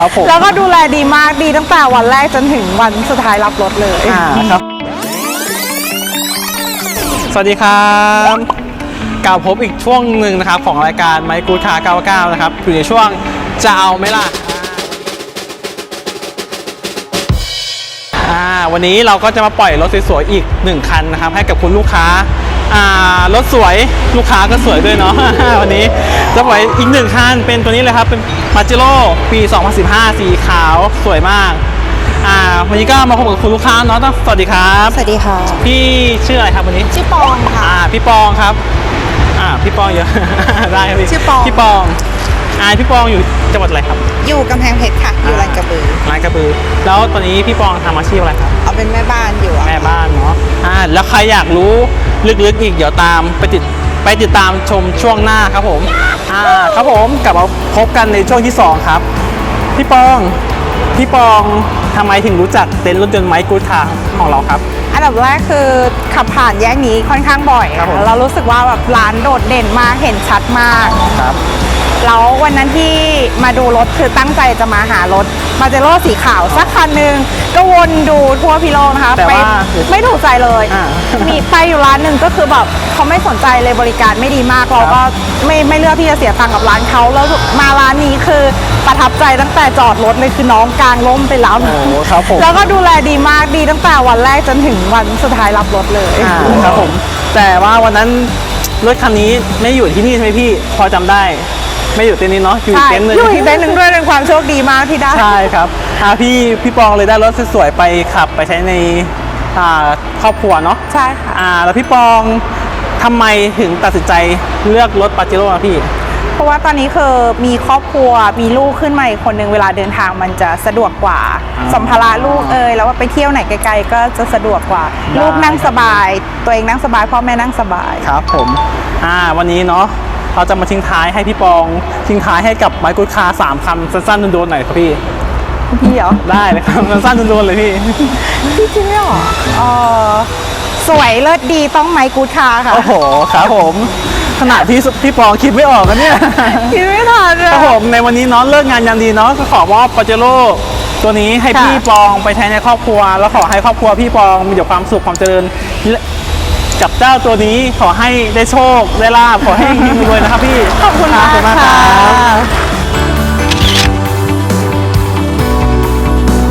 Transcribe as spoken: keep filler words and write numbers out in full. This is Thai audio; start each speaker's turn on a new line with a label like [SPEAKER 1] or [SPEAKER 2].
[SPEAKER 1] ครับผม
[SPEAKER 2] แล้วก็ดูแลดีมากดีตั้งแต่วันแรกจนถึงวันสุดท้ายรับรถเลย
[SPEAKER 1] อ่าครับสวัสดีครับกลับพบอีกช่วงหนึ่งนะครับของรายการไมค์กูดคาร์เก้าสิบเก้านะครับอยู่ในช่วงจะเอาไหมล่ะอ่าวันนี้เราก็จะมาปล่อยรถสวยๆอีกหนึ่งคันนะครับให้กับคุณลูกค้าอ่ารถสวยลูกค้าก็สวยด้วยเนาะ วันนี้จะปล่อยอีกหนึ่งคันเป็นตัวนี้เลยครับเป็นมาจิโร่ปีสองพันสิบห้าสีขาวสวยมากอ่าวันนี้ก็มาพบกับคุณลูกค้าเนาะต้องสวัสดีครับ
[SPEAKER 2] สวัสดีค่ะ
[SPEAKER 1] พี่ชื่ออะไรครับวันนี้
[SPEAKER 2] ชื่อปองค่ะ
[SPEAKER 1] อ่าพี่ปองครับอ่าพี่ปองเยอะ ได้ครับพี่
[SPEAKER 2] ชื่อปอง
[SPEAKER 1] พี่ปองอ่าพี่ปองอยู่จังหวัดอะไรครับ
[SPEAKER 2] อยู่กำแพงเพชรค่ะ อยู่ลาดกระบือ
[SPEAKER 1] ลาดกระบือแล้วตอนนี้พี่ปองทำอาชีพอะไรครับ
[SPEAKER 2] เอาเป็นแม่บ้านอยู่อะ
[SPEAKER 1] แม่บ้านเนาะอ่าแล้วใครอยากรู้ลึกๆอีกเดี๋ยวตามไปติดไปติดตามชมช่วงหน้าครับผมอ่าครับผมกลับมาพบกันในช่วงที่สองครับพี่ปองพี่ปองทำไมถึงรู้จักเต็นท์รถยนต์ไมค์กูดคาร์ของเราครับ
[SPEAKER 2] อันดับแรกคือขับผ่านแยกนี้ค่อนข้างบ่อย
[SPEAKER 1] ครับผม
[SPEAKER 2] แล้วเรารู้สึกว่าแบบร้านโดดเด่นมากเห็นชัดมาก
[SPEAKER 1] ครับ
[SPEAKER 2] แล้ววันนั้นที่มาดูรถคือตั้งใจจะมาหารถมาเจโร่สีขาวสักคันหนึ่งก็วนดูทั่วพิโลกนะคะ
[SPEAKER 1] แต่
[SPEAKER 2] ไป
[SPEAKER 1] ว่า
[SPEAKER 2] ไม่ถูกใจเลย
[SPEAKER 1] อ่า
[SPEAKER 2] มีไปอยู่ร้านหนึ่งก็คือแบบเขาไม่สนใจเลยบริการไม่ดีมากเราก็ไม่ไม่เลือกที่จะเสียตังค์กับร้านเขาแล้วมาร้านนี้คือประทับใจตั้งแต่จอดรถเลยคือน้องกลางร่มไปแล้ว
[SPEAKER 1] โอ้ครับผม
[SPEAKER 2] แล้วก็ดูแลดีมากดีตั้งแต่วันแรกจนถึงวันสุดท้ายรับรถเลย
[SPEAKER 1] อ่าครับผมแต่ว่าวันนั้นรถคันนี้ไม่อยู่ที่นี่ใช่ไหมพี่พอจำได้ไม่อยู่เต็นท์นี้เนาะอยู่อีก
[SPEAKER 2] ใช่
[SPEAKER 1] เต็นท์หนึง
[SPEAKER 2] อยู่อีกเต็นท์หนึ่งด้วยเป็นความโชคดีมากที่ได้
[SPEAKER 1] ใช่ครับอ่าพี่พี่ปองเลยได้รถสวยๆไปขับไปใช้ในอ่าครอบครัวเนาะ
[SPEAKER 2] ใช่ค่ะ
[SPEAKER 1] อ่าแล้วพี่ปองทำไมถึงตัดสินใจเลือกรถปาเจโร่พี่
[SPEAKER 2] เพราะว่าตอนนี้คือมีครอบครัวมีลูกขึ้นมาอีกคนหนึ่งเวลาเดินทางมันจะสะดวกกว่า
[SPEAKER 1] อ่า
[SPEAKER 2] สัมภาระลูกเอยแล้วว่าไปเที่ยวไหนไกลๆก็จะสะดวกกว่า
[SPEAKER 1] ได้
[SPEAKER 2] ลูกนั่งสบาย ตัวเองนั่งสบายพ่อแม่นั่งสบาย
[SPEAKER 1] ครับผมอ่าวันนี้เนาะเราจะมาทิ้งท้ายให้พี่ปองทิ้งท้ายให้กับไมค์กูดคาร์สามคำสั้นๆโดนๆหน่อยครับพี่
[SPEAKER 2] พี่เหรอ
[SPEAKER 1] ได้เลยครับ สั้นๆโดนๆเลยพี่
[SPEAKER 2] พี่คิดไม่ออกเออสวยเลิศดีต้องไมค์กูดคาร์ค่ะ
[SPEAKER 1] โอ้โหครับผมขณะที่พี่ปองคิดไม่ออกกันเนี่ย
[SPEAKER 2] คิดไม่ทันอะ
[SPEAKER 1] ครับผมในวันนี้เนาะเลิกงานยามดีเนาะก็ขอมอบปาเจโร่ตัวนี้ให้
[SPEAKER 2] ค่ะ
[SPEAKER 1] พี่ปองไปใช้ในครอบครัว แล้วขอให้ครอบครัวพี่ปองมีแต่ความสุขความเจริญและกับเจ้าตัวนี้ขอให้ได้โชคได้ลาภขอให้มีรวยนะครับพี่
[SPEAKER 2] ขอบคุณมาก
[SPEAKER 1] ขอบคุณมากค
[SPEAKER 2] ค่ะ
[SPEAKER 1] รับ